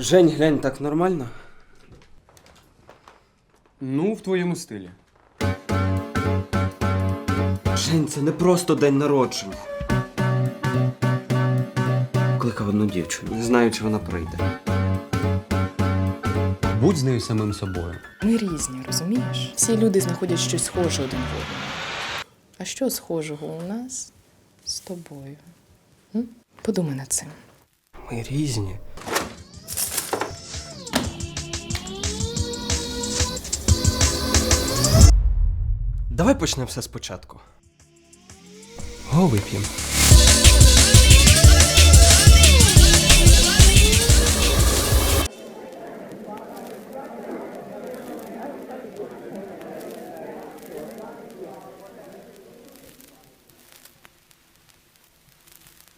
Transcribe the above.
Жень, глянь, так нормально? Ну, в твоєму стилі. Жень, це не просто день народження. Кликав одну дівчину, не знаю, чи вона прийде. Будь з нею самим собою. Ми різні, розумієш? Всі люди знаходять щось схоже один в одному. А що схожого у нас з тобою? Подумай над цим. Ми різні. Давай почнемо все спочатку. Го вип'ємо.